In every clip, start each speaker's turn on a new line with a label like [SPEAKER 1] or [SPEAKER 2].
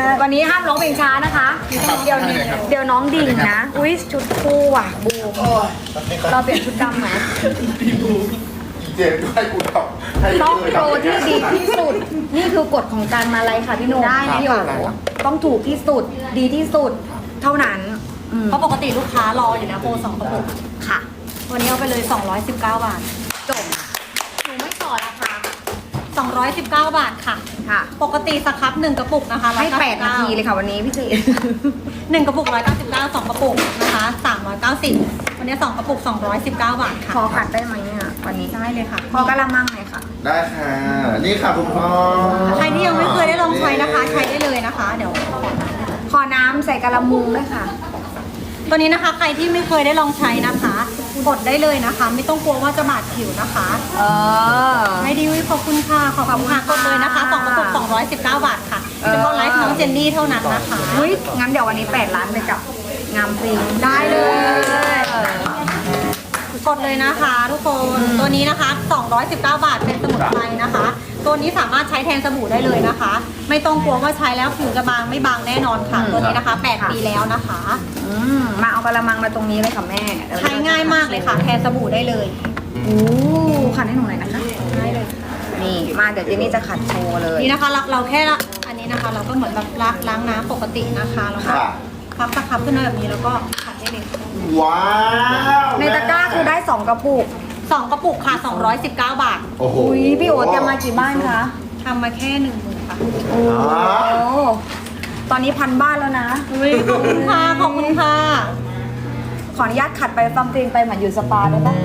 [SPEAKER 1] วันนี้ห้ามร้องเพลงช้านะคะ เดี๋ยวน้องดิ่งนะ อุ้ยชุดคู่ว่ะบูมเราเปลี่ยนชุดดำไหม
[SPEAKER 2] เจนก็ให้กูทำ
[SPEAKER 1] ต้องโปรที่ดีที่สุด นี่คือกฎของการมาไลฟ์ค่ะพี่หนุ่ม
[SPEAKER 3] ได้
[SPEAKER 1] พี่โอ๋ต้องถูกที่สุดดีที่สุดเท่านั้นอืม
[SPEAKER 3] เพราะปกติลูกค้ารออยู่นะโปร2 กระปุก
[SPEAKER 1] ค่ะ
[SPEAKER 3] วันนี้เอาไปเลย219 บาท
[SPEAKER 1] จบหนูไม่ต่อราคา
[SPEAKER 3] 219 บาทค่ะ
[SPEAKER 1] ค่ะ
[SPEAKER 3] ปกติสครับ1 กระปุกนะคะ
[SPEAKER 1] ให้8 นาทีเลยค่ะวันนี้พี่เจ
[SPEAKER 3] 1 กระปุก199 2 กระปุกนะคะ390วันนี้2 กระปุก219 บาทค่ะ
[SPEAKER 1] ขอขัดได้ไหมเนี่ยวันนี้
[SPEAKER 3] ได้เลยค่ะ
[SPEAKER 1] ขอกระมังหน่อยค่ะ
[SPEAKER 2] ได้ค่ะ นี่ค่ะคุณพ่อ
[SPEAKER 3] ใครที่ยังไม่เคยได้ลองใช้นะคะ ใช้ได้เลยนะคะ เดี๋ยว
[SPEAKER 1] ขอน้ำใส่กระมุงด้วยค่ะ
[SPEAKER 3] ตัวนี้นะคะใครที่ไม่เคยได้ลองใช้นะคะกดได้เลยนะคะ ไม่ต้องกลัวว่าจะบาดผิวนะคะ ไม่ดีวิขอบคุณค่ะขอบคุณค่ะกดเลยนะคะ2 กระปุก219 บาทค่ะเฉพาะไลฟ์น้องเจนนี่เท่านั้นนะคะ
[SPEAKER 1] อุ้ยงั้นเดี๋ยววันนี้8 ล้านไปกับงามฟรี
[SPEAKER 3] ได้เลย กดเลยนะคะทุกคนตัวนี้นะคะ219 บาทเป็นสมุนไพรนะคะ ตัวนี้สามารถใช้แทนสบู่ได้เลยนะคะ ไม่ต้องกลัวว่าใช้แล้วผิวจะบางไม่บางแน่นอนค่ะ ตัวนี้นะคะ8 ปีแล้วนะคะ
[SPEAKER 1] มาเอากระมังมาตรงนี้เลยค่ะแม่
[SPEAKER 3] ใช้ง่ายมากเลยค่ะ แทนสบู่ได้เลย
[SPEAKER 1] โอ้ขัดให้หนูหน่อยนะคะ
[SPEAKER 3] ได้เลยค่ะ
[SPEAKER 1] นี่มาเดี๋ยวเจนนี่จะขัดโชว์เลย
[SPEAKER 3] นี่นะคะเราแค่ละอันนี้นะคะ เราก็เหมือนแบบล้างน้ำปกตินะคะแล้วก็
[SPEAKER 2] ค่ะ
[SPEAKER 3] พับตะครับขึ้นมาแบบนี้แล้วก็ขัดได้เลย
[SPEAKER 2] ว้าว
[SPEAKER 1] ในตะกร้าคือได้2 กระปุก
[SPEAKER 3] 2 กระปุกค่ะ219 บาท
[SPEAKER 2] โอ้โห
[SPEAKER 1] อุ้ยพี่โอ๊ตจะมากี่บ้านคะ
[SPEAKER 3] ทำมาแค่10,000ค่ะ
[SPEAKER 1] โอ้ตอนนี้1,000 บ้านแล้วนะ
[SPEAKER 3] อุ้ยขอบคุณค่ะขอบคุณค่ะ
[SPEAKER 1] ขออนุญาตขัดไปฟังเพลงไปเหมือนอยู่สปาได้ปะ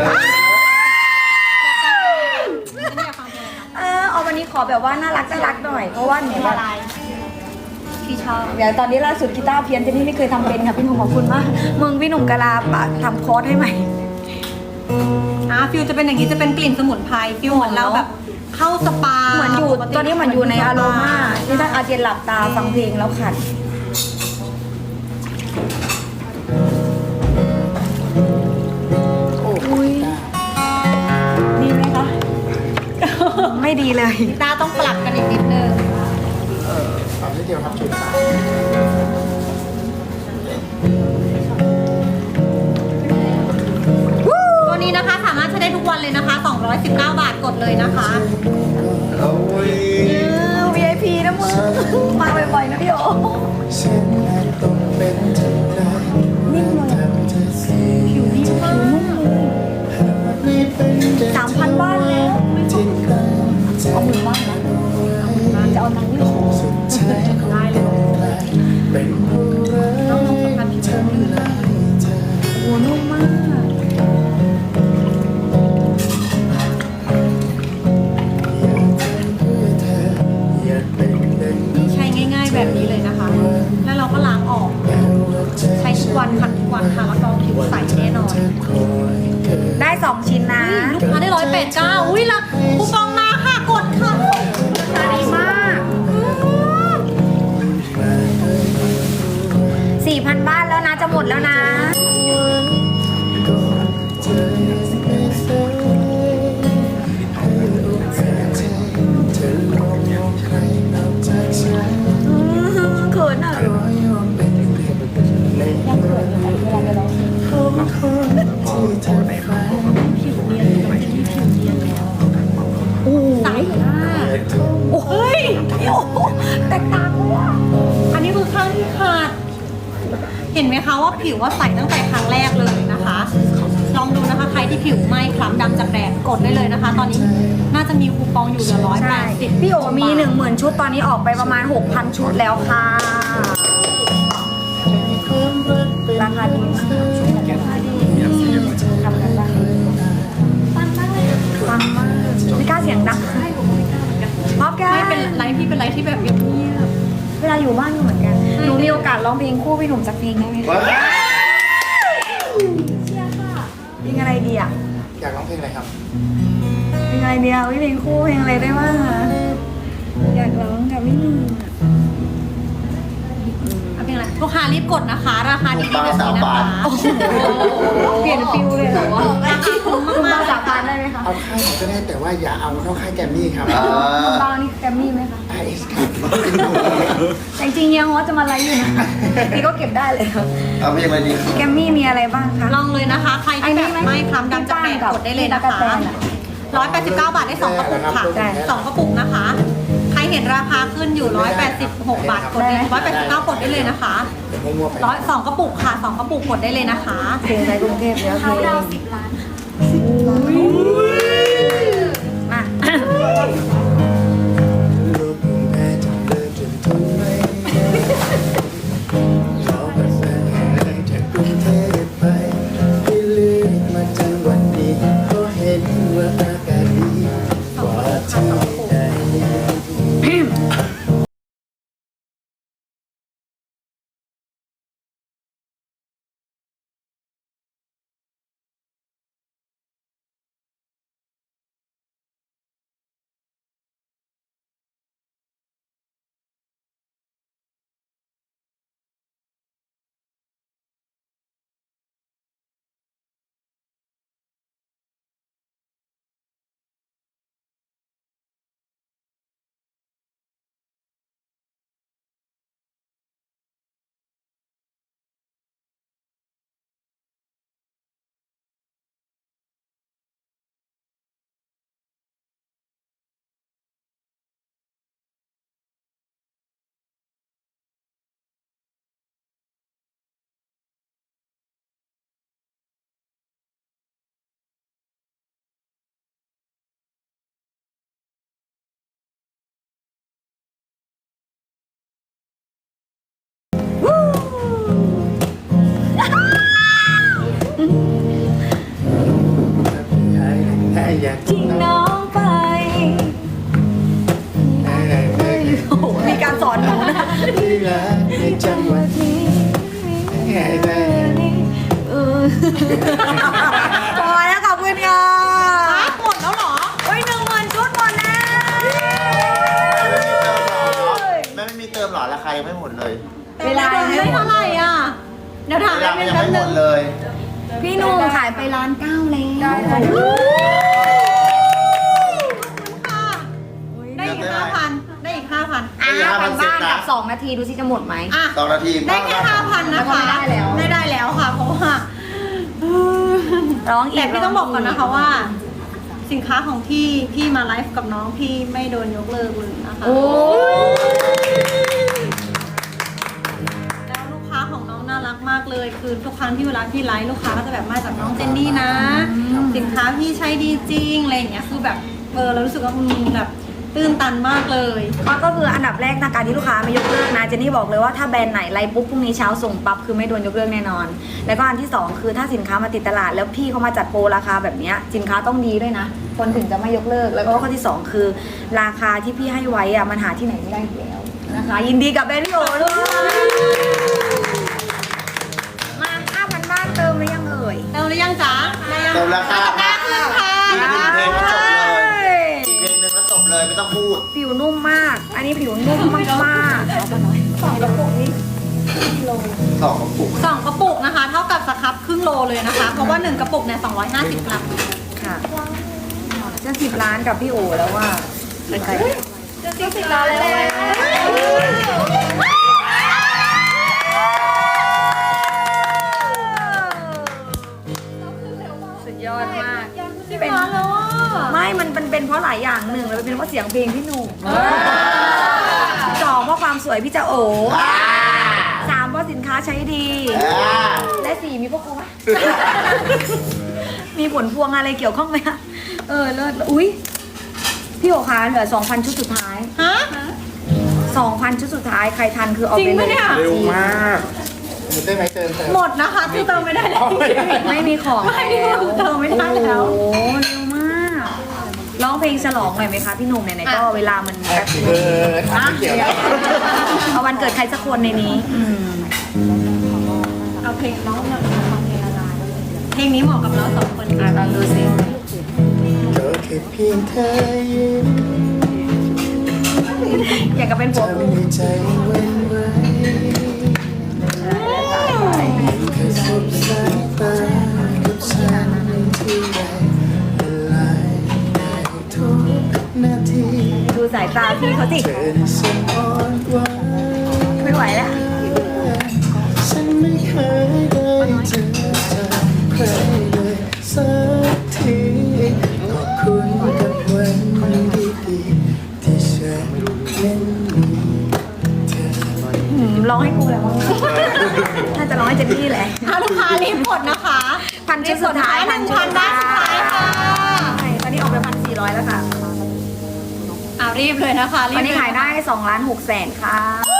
[SPEAKER 3] ฉันอยากฟังเพลงนะ
[SPEAKER 1] เอาวันนี้ขอแบบว่าน่ารักหน่อย เพราะว่าหนู
[SPEAKER 3] เพลง
[SPEAKER 1] แบ
[SPEAKER 3] อะ
[SPEAKER 1] บ
[SPEAKER 3] ไรที่ชอบ
[SPEAKER 1] เดี๋ยวตอนนี้ล่าสุดกีตาร์เพี้ยนเจนนี่ไม่เคยทำเป็นค่ะพี่หนุ่มขอบคุณมากมึงพี่หนุ่มกะลาปะทำคอร์สให้ใหม่
[SPEAKER 3] ฟิลจะเป็นอย่างนี้จะเป็นกลิ่นสมุนไพรฟิลเหมือนเราแบบเข้าสปา
[SPEAKER 1] เหมือนอยู่ตอนนี้เหมือนอยู่ในอารมาที่ท่านอาเจนหลับตาฟังเพลงแล้วขัดอุ้ยดีไหมคะ ไม่ดีเลย
[SPEAKER 3] ตาต้องปรับกันอีกนิดนึง
[SPEAKER 2] ทำให้เดียวทำชุดค่ะ
[SPEAKER 3] ตัวนี้นะคะสามารถใช้ได้ทุกวันเลยนะคะ219 บาทกดเลยนะคะ
[SPEAKER 2] โอ้ย
[SPEAKER 1] VIP นะมึงมาบ่อยๆนะพี่โอ
[SPEAKER 4] ฉันอาจต้องเป็นเท่าไร
[SPEAKER 1] นิ่มเลย
[SPEAKER 4] ทำเธอเสีย
[SPEAKER 1] ผิวนิ่มผิวนุ่มเลย
[SPEAKER 4] ไม่เป็นใจ
[SPEAKER 1] 3,000 บ้านแล้ว
[SPEAKER 4] ที่กังใจ
[SPEAKER 1] เอาหมื่นบ้านนะจะเอาตังค์ที่ขอ
[SPEAKER 4] สุดท้ายคงต้องกลายเป็นผู้รักทำลายเธอ
[SPEAKER 1] โอ้นุ่มมาก
[SPEAKER 4] อยากเป็นดัง
[SPEAKER 3] นี่ใช้ง่ายๆแบบนี้เลยนะคะ แล้วเราก็ล้างออก ใช้ทุกวันขัดทุกวันค่ะแล้วก็ผิวใสแน่นอน
[SPEAKER 4] คอยเกิด
[SPEAKER 1] ได้ 2 ชิ้นนะ
[SPEAKER 3] ลูกค้าได้189อุ้ยละคูปองมาค่ะกดค่ะ
[SPEAKER 1] ดีมาก 4,000 บ้านแล้วนะ จะหมดแล้วนะ
[SPEAKER 4] ก่อนเธอไม่เคยให้โอกาสใจเธอลองมองใครนอกจากฉัน
[SPEAKER 1] เขินอ่ะ
[SPEAKER 4] ขอยอมเป็นหนึ่งในยังเกิดของคนที่เธอฝัน
[SPEAKER 3] ใสมากโอ้ย
[SPEAKER 1] แตกต่างเลยอ่ะ
[SPEAKER 3] อันนี้คือข้างที่ขาด เห็นไหมคะว่าผิวว่าใสตั้งแต่ครั้งแรกเลยนะคะ ลองดูนะคะใครที่ผิวไหม้คล้ำดำจากแดดกดได้เลยนะคะ ตอนนี้น่าจะมีคูปองอยู่เหลือ
[SPEAKER 1] ใช่
[SPEAKER 3] 180
[SPEAKER 1] พี่โอมี 10,000 ชุดตอนนี้ออกไปประมาณ 6,000 ชุดแล้วค่ะ ราคาดีมากราคาดีทำกันบ้างฟังมากไม่กล้าเสียงดังพอบแก
[SPEAKER 3] ไม่เป็นไรพี่เป็นไรที่แบบเงียบ
[SPEAKER 1] เวลาอยู่บ้านก็เหมือนกัน หนูมีโอกาสร้องเพลงคู่พี่หนุ่มสักเพลงได้ไหมคะ
[SPEAKER 2] ว้าว
[SPEAKER 1] เชียร์ค่ะเพลงอะไรดีอ่ะ
[SPEAKER 2] อยากร้องเพลงอะไรครับ
[SPEAKER 1] เพลงอะไรดีอ่ะเพลงคู่เพลงอะไรได้บ้างคะอยากร้องกับพี่หนุ่ม
[SPEAKER 3] ๆเอาเป็นไรลูกค้ารีบกดนะคะ ราคาดีๆแบบนี้นะคะ
[SPEAKER 1] เปลี่ยนฟิลเลยเหรอวะ
[SPEAKER 3] ราคาคุ้ม
[SPEAKER 1] คุณ
[SPEAKER 3] มา
[SPEAKER 1] บ้าก สาบานได้ไหมคะ
[SPEAKER 4] เอาค่ายไหนก็ได้แต่ว่าอย่าเอานอกค่ายแกรมมี่ครับ
[SPEAKER 1] คุณบ้านี่แกรมมี่ไหมคะ
[SPEAKER 4] RS ครับ
[SPEAKER 1] แต่จริงๆเฮียฮอตจะมาไลฟ์อยู่นะพี่ก็เก็บได้เลยค่ะ
[SPEAKER 2] เอาเพลงอะไรดี
[SPEAKER 1] แกรมมี่มีอะไรบ้างคะ
[SPEAKER 3] ลองเลยนะคะ ใครที่แบบไม่คล้ำดำจะแปะกดได้เลยนะคะ 189 บาทได้2กระปุกค่ะ2กระปุกนะคะ ใครเห็นราคาขึ้นอยู่186 บาทกดได้189กดได้เลยนะคะ
[SPEAKER 4] เดี๋ยวมั่วๆไป
[SPEAKER 3] 2กระปุกค่ะ2กระปุกกดได้เลยนะคะ
[SPEAKER 1] เพลงในกรุงเทพแล้วเพลงมา
[SPEAKER 4] ลูกผมแพ้จนเลิกจนทนไม่ได้ขอประสานงานจากกรุงเทพไปที่เลือกมาจังหวัดนี้เพราะเห็นว่าอากาศดีกว่าที่ใด อยาก
[SPEAKER 1] ทิ้งน้องไปโอ้โหมีการสอนหนูนะ
[SPEAKER 4] ที่รักในจังหวัดนี้ให้ได้
[SPEAKER 1] พอแล้วขอบคุณค่ะ
[SPEAKER 3] หมดแล้วเหรอ
[SPEAKER 1] โอ้ย10,000 ชุดหมดแล้ว
[SPEAKER 2] แม่ไม่มีเติมหรอราคายังไม่หมดเลย
[SPEAKER 1] เวลา
[SPEAKER 3] ได้เท่าไหร่อ่ะ เดี๋ยวถาม
[SPEAKER 2] เว
[SPEAKER 3] แป๊
[SPEAKER 2] ลา
[SPEAKER 3] บนึง
[SPEAKER 2] ยัง
[SPEAKER 3] แป๊บ
[SPEAKER 2] ไม่ห
[SPEAKER 3] นึ
[SPEAKER 2] ม
[SPEAKER 3] ง
[SPEAKER 2] ดเลย
[SPEAKER 1] พี่หนุ่มขายไป1,900,000แล้ว
[SPEAKER 3] ได้อีก 5,000 ได้อีก 5,000
[SPEAKER 1] อ่ะทางบ้านกับ2 นาทีดูสิจะหมดไหม
[SPEAKER 3] อ่ะ
[SPEAKER 2] 2 นาที
[SPEAKER 3] ได้แค่ 5,000 นะคะ ไม่ได้แล้วค่ะ เพราะว่า
[SPEAKER 1] ร้องอีก
[SPEAKER 3] แต่พี่ต้องบอกก่อนนะคะว่า สินค้าของพี่มาไลฟ์กับน้องพี่ไม่โดนยกเลิกเลยนะคะ
[SPEAKER 1] โอ้
[SPEAKER 3] แล้วลูกค้าของน้องน่ารักมากเลย คือทุกครั้งที่เวลาพี่ไลฟ์ลูกค้าก็จะแบบมาจากน้องเจนนี่นะ สินค้าพี่ใช้ดีจริงอะไรอย่างเงี้ยคือแบบเรารู้สึกว่าแบบตื้นตันมากเลย
[SPEAKER 1] ก็คืออันดับแรกนะการที่ลูกค้าไม่ยกเลิกนะเจนนี่บอกเลยว่าถ้าแบรนด์ไหนไลฟ์ปุ๊บพรุ่งนี้เช้าส่งปั๊บคือไม่โดนยกเลิกแน่นอน แล้วก็อันที่2คือถ้าสินค้ามาติดตลาดแล้วพี่เขามาจัดโปรราคาแบบเนี้ยสินค้าต้องดีด้วยนะคนถึงจะไม่ยกเลิกแล้วก็ข้อที่2คือราคาที่พี่ให้ไว้อะมันหาที่ไหนไม่ได้อีกแล้วนะคะยินดีกับแบรนด์พี่โอด้วยมา 5,000 บ้านเติมหรือยังเอ่ย
[SPEAKER 3] เติมหรือยังจ๊ะ
[SPEAKER 2] เติมราคา
[SPEAKER 3] ตะกร้าขึ้นค่ะ
[SPEAKER 2] อีก1 เพลงก็จบเลยอีกเพลงหนึ่งก็จบเลยไม่ต้องพูด
[SPEAKER 1] ผิวนุ่มมาก อันนี้ผิวนุ่มมากๆเอาไปหน่อย2 กระปุกนี้
[SPEAKER 2] 2 กระปุก
[SPEAKER 3] 2 กระปุกนะคะ เท่ากับสครับครึ่งโลเลยนะคะ เพราะว่า 1 กระปุกเนี่ย250 กรัม
[SPEAKER 1] ค่ะจะ10 ล้านกับพี่โอแล้วว่าเป็นใครจะ10 ล้านแล้วสุดยอดมากเป็น
[SPEAKER 3] มาแล้วอ่ะ
[SPEAKER 1] ไม่มันเป็นเพราะหลายอย่างหนึ่งแล้วเป็นเพราะเสียงเพลงพี่หนุ่ม2เพราะความสวยพี่จะโอ3เพราะสินค้าใช้ดี และ4มีพวกกูไหม มีผลพวงอะไรเกี่ยวข้องไหมคะเลิศอุ้ยพี่โอคะเหลือ 2,000 ชุดสุดท้าย
[SPEAKER 3] ฮะ
[SPEAKER 1] 2,000 ชุดสุดท้ายใครทันคือเอา
[SPEAKER 3] จริง
[SPEAKER 1] ไปเล
[SPEAKER 3] ปะ
[SPEAKER 1] ย
[SPEAKER 3] เนี่ย
[SPEAKER 1] ค่ะ
[SPEAKER 4] เร็วมากได้ไหมเติม
[SPEAKER 3] หมดนะคะคือเติมไม่ได้แล้ว
[SPEAKER 1] ไม่มีของ
[SPEAKER 3] ไม่มีของเติมไม่ได้แล้ว
[SPEAKER 1] โอ้โหเร็วมากร้องเพลงฉลองหน่อยไหมคะพี่หนุ่มไหนๆก็เวลามันแป๊บนึง
[SPEAKER 4] ทำไม่เกี่ยวแล้ว
[SPEAKER 1] เอาวันเกิดใครสักคนในนี้
[SPEAKER 3] เอาเพลงน้องเนี่ยฟังเพลงอะไรเพลงนี้เหมาะกับเรา2 คนค่ะ
[SPEAKER 1] ลองดูสิ
[SPEAKER 4] ก็แค่เพียงเธอยิ้ม
[SPEAKER 1] อยากจะเป็นผัว
[SPEAKER 4] ทำ
[SPEAKER 1] กู
[SPEAKER 4] ให้ใจหวันไหว
[SPEAKER 1] ตาพี่เขาสิ
[SPEAKER 4] เธอน่ะช่างอ่อนหวาน
[SPEAKER 1] ไม่ไหวแล้ว
[SPEAKER 4] ฉันไม่เคยได้เจอจากใครเลยสักทีขอบคุณกับวันดีๆที่ฉันนั้นมีเธอ
[SPEAKER 1] ร้องให้กูเลยมั้งน่าจะร้องให้เจนนี่แหละ
[SPEAKER 3] เอาลูกค้ารีบกดนะคะ
[SPEAKER 1] พันชุดสุดท้าย
[SPEAKER 3] 1,000ได้สุดท้ายค่ะ
[SPEAKER 1] ใช่ตอนนี้ออกไป1,400แล้วค่ะ
[SPEAKER 3] รีบเลยนะคะรี
[SPEAKER 1] ต
[SPEAKER 3] บ
[SPEAKER 1] อนนี้ขายได้2,600,000ค่ะ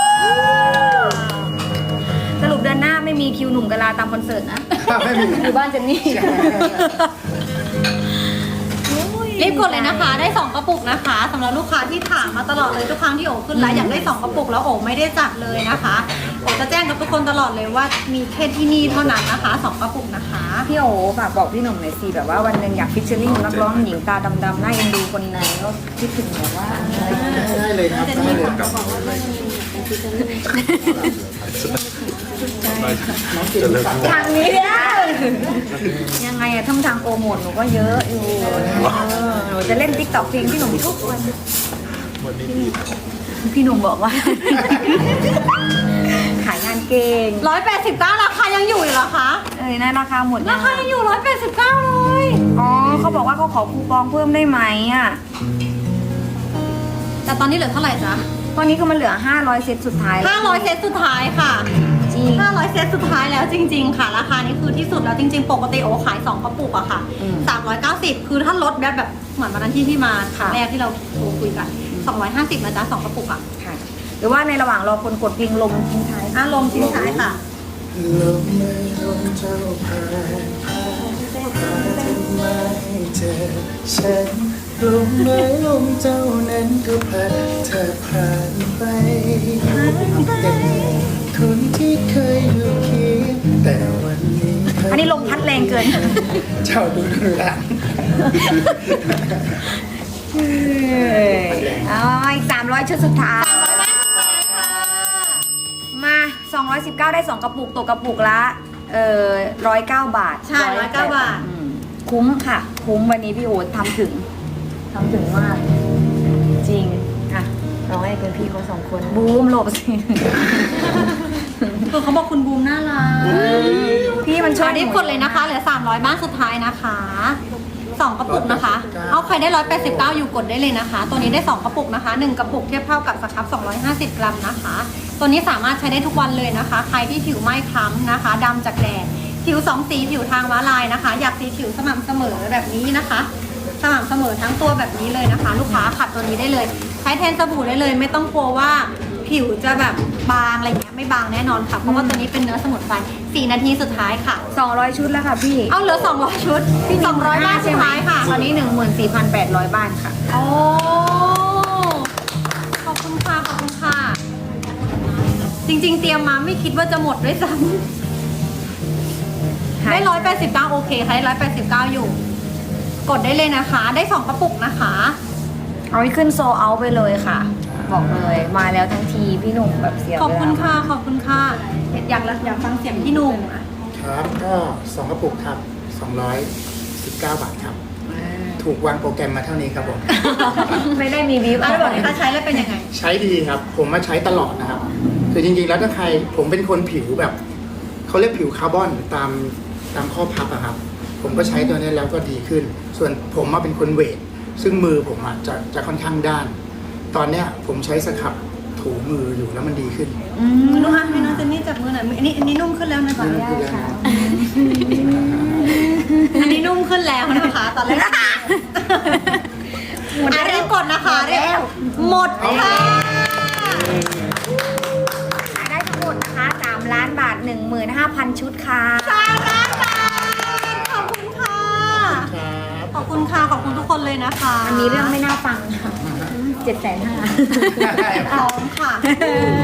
[SPEAKER 1] สรุปเดือนหน้าไม่มีคิวหนุ่มกะลาตามคอนเสิร์ตนะ
[SPEAKER 4] ไม่มี
[SPEAKER 1] อยู่บ้านเจนนี่
[SPEAKER 3] รีบกดเลยนะคะ ได้2กระปุกนะคะสำหรับลูกค้าที่ถามมาตลอดเลยทุกครั้งที่โอขึ้นไลฟ์อยากได้2กระปุกแล้วโอไม่ได้จัดเลยนะคะโอจะแจ้งกับทุกคนตลอดเลยว่ามีแค่ที่นี่เท่านั้นนะคะ2กระปุกนะคะ
[SPEAKER 1] พี่โอฝากบอกพี่หนุ่มหน่อยสิแบบว่าวันหนึ่งอยากฟิชเชอร์ลิงนักร้องหญิงตาดำๆหน้าเอ็นดูคนไหนก็คิดถึงแบบว่า
[SPEAKER 4] ได้เลยครับได้เลยครับน้องกินสัก
[SPEAKER 1] ทางนี้เนี่ยยังไงอะท่องทางโปรโมทหนูก็เยอะอยู่หนูจะเล่นติ๊กต็อกเพลงพี่หนุ่มทุกวันพี่หนุ่มบอกว่า ขายงานเก่ง
[SPEAKER 3] 189ราคายังอยู่อีกเหรอคะ
[SPEAKER 1] นะราคาหมด
[SPEAKER 3] ราคายังอยู่189เลย
[SPEAKER 1] อ๋อเขาบอกว่าเขาขอคูปองเพิ่มได้ไหมอ่ะ
[SPEAKER 3] แต่ตอนนี้เหลือเท่าไหร่จ๊ะ
[SPEAKER 1] ตอนนี้คือมันเหลือ500เซตสุดท้ายแล้ว
[SPEAKER 3] 500เซตสุดท้ายค่ะ
[SPEAKER 1] จริง
[SPEAKER 3] 500เซตสุดท้ายแล้วจริง ๆ ค่ะ ราคานี้คือที่สุดแล้วจริง ๆ ปกติโอขาย2กระปุกอะค่ะ
[SPEAKER 1] อืม
[SPEAKER 3] 390คือถ้าลดแบบเหมือนวันนั้นที่พี่มาครั้ง
[SPEAKER 1] ค่ะ
[SPEAKER 3] แรกที่เราโทรคุยกัน250นะจ๊ะ2กระปุกอะ
[SPEAKER 1] ค่ะ หรือว่าในระหว่างรอคนกดเพลงลมทิ้งท้าย
[SPEAKER 3] ลมทิ้งท้ายค่ะ
[SPEAKER 4] ลมไม่ลมเจ้าผ่านพาทำไมเจอฉันลมไม่ลมเจ้านั้นก็พัดเธอผ่านไปแต่คนที่เคยอยู่เคียงแต่วันนี้
[SPEAKER 1] อันนี้ลมพัดแรงเกิน
[SPEAKER 4] เจ้าดูดูหลัง
[SPEAKER 1] อ๋ออีก300ชุดสุดท้าย มา 219 ได้ 2 กระปุกตกกระปุกละ109 บาท
[SPEAKER 3] ใช่109 บาท
[SPEAKER 1] อืมคุ้มค่ะ คุ้มวันนี้พี่โอ๊ตทำถึงมาก จริงอ่ะร้องให้เป็นพี่เขา2 คนบูมหลบสิ
[SPEAKER 3] คือเขาบอกคุณบูมน่ารัก
[SPEAKER 1] พี่มันช่วย
[SPEAKER 3] รีบกดเลยนะคะเหลือ300บ้านสุดท้ายนะคะ2กระปุกนะคะ เอาใครได้189อยู่กดได้เลยนะคะ ตัวนี้ได้2กระปุกนะคะ1กระปุกเทียบเท่ากับสครับ250 กรัมนะคะ ตัวนี้สามารถใช้ได้ทุกวันเลยนะคะ ใครที่ผิวไม่คล้ำนะคะดำจากแดดผิว2สีผิวทางม้าลายนะคะ อยากสีผิวสม่ำเสมอแบบนี้นะคะ สม่ำเสมอทั้งตัวแบบนี้เลยนะคะ ลูกค้าขัดตัวนี้ได้เลย ใช้แทนสบู่ได้เลย ไม่ต้องกลัวว่าผิวจะแบบบางอะไรเงี้ยไม่บางแน่นอนค่ะเพราะว่าตัวนี้เป็นเนื้อสมุนไพร4 นาทีสุดท้ายค่ะ
[SPEAKER 1] 200 ชุดแล้วค่ะพี่
[SPEAKER 3] เอาเหลือ200 ชุด200บ้านสุดท้ายค่ะ
[SPEAKER 1] ตอนนี้ 14,800 บ้านค่ะ
[SPEAKER 3] โอ้ขอบคุณค่ะขอบคุณค่ะ จริงๆ เตรียมมาไม่คิดว่าจะหมดด้วยซ้ำได้189โอเคค่ะได้189อยู่ กดได้เลยนะคะ ได้2กระปุกนะคะ
[SPEAKER 1] เอาให้ขึ้นโซเอาไปเลยค่ะ บอกเลยมาแล้วทั้งทีพี่หนุ่มแบบเสีย
[SPEAKER 3] ขอบคุณ
[SPEAKER 1] เวลา
[SPEAKER 3] ค่ะขอบคุณค่ะอยากฟังเสียงพี่หนุ่มอ่ะ
[SPEAKER 4] ครับก็2กระปุกครับ219 บาทครับ ถูกวางโปรแกรมมาเท่านี้ครับผม
[SPEAKER 1] ไม่ได้มีวิว
[SPEAKER 3] แล้วบอกเลยถ้าใช้แล้วเป็นยังไง
[SPEAKER 4] ใช้ดีครับ ผมมาใช้ตลอดนะครับ คือจริงๆแล้วถ้าใครผมเป็นคนผิวแบบเขาเรียกผิวคาร์บอนตามข้อพับอะครับ ผมก็ใช้ตัวนี้แล้วก็ดีขึ้น ส่วนผมมาเป็นคนเวท ซึ่งมือผมอะจะค่อนข้างด้าน ตอนเนี้ยผมใช้สครับถูมืออยู่แล้วมันดีขึ้น
[SPEAKER 3] คุณลูกค้าให้น้องเจนนี่จับมือหน่อยอันนี้นุ่มขึ้นแล้วนะคะ
[SPEAKER 4] ได้ค่ะ
[SPEAKER 3] อันนี้นุ่มขึ้นแล้วนะคะ ตอนแรกรีบกดนะคะรีบหมดค่ะ
[SPEAKER 1] ขายได้ทั้งหมดนะคะ3 ล้านบาท 15,000 ชุดค่ะ
[SPEAKER 3] 3 ล้านบาทขอบคุณค่ะ ขอบคุณค่ะ ขอบคุณทุกคนเลยนะคะ
[SPEAKER 1] มันมีเรื่องไม่น่าฟังค่ะ750,000
[SPEAKER 3] พร้อมค่ะ